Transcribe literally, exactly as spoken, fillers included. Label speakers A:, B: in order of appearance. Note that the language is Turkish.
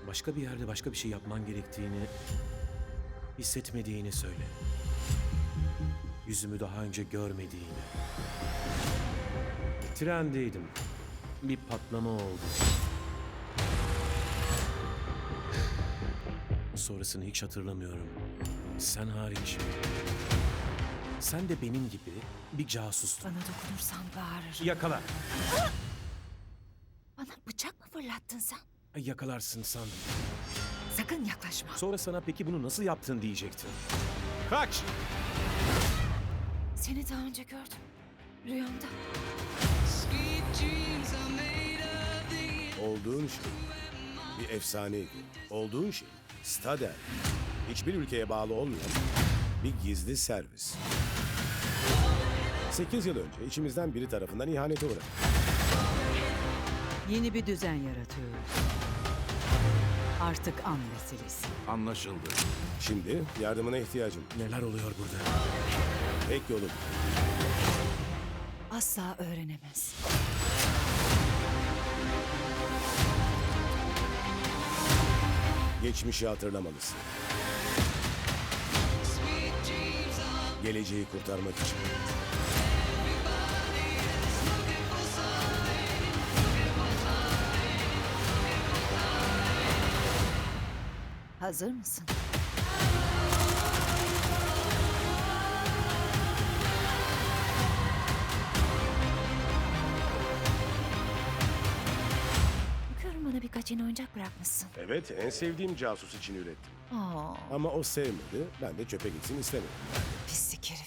A: Başka bir yerde başka bir şey yapman gerektiğini hissetmediğini söyle. Yüzümü daha önce görmediğini. Trendeydim. Bir patlama oldu. Sonrasını hiç hatırlamıyorum. Sen hariç. Sen de benim gibi bir casustun.
B: Bana dokunursan bağırırım.
A: Yakala.
B: Bana bıçak mı fırlattın sen?
A: Yakalarsın sandım.
B: Sakın yaklaşma.
A: Sonra sana peki bunu nasıl yaptın diyecektim. Kaç!
B: Seni daha önce gördüm. Rüyamda.
C: Olduğun şey bir efsaneydi. Olduğun şey Stader. Hiçbir ülkeye bağlı olmayan bir gizli servis. Sekiz yıl önce içimizden biri tarafından ihanete uğradı.
D: Yeni bir düzen yaratıyoruz. Artık an meselesi.
E: Anlaşıldı.
C: Şimdi yardımına ihtiyacım.
A: Neler oluyor burada?
C: Tek yolum
B: Asla öğrenemez.
C: geçmişi hatırlamalısın. Geleceği kurtarmak için.
B: Hazır mısın? Bakıyorum bana birkaç yeni oyuncak bırakmışsın.
C: Evet, en sevdiğim casus için ürettim.
B: Aa,
C: Ama o sevmedi, ben de çöpe gitsin istemedim.
B: pislik herif.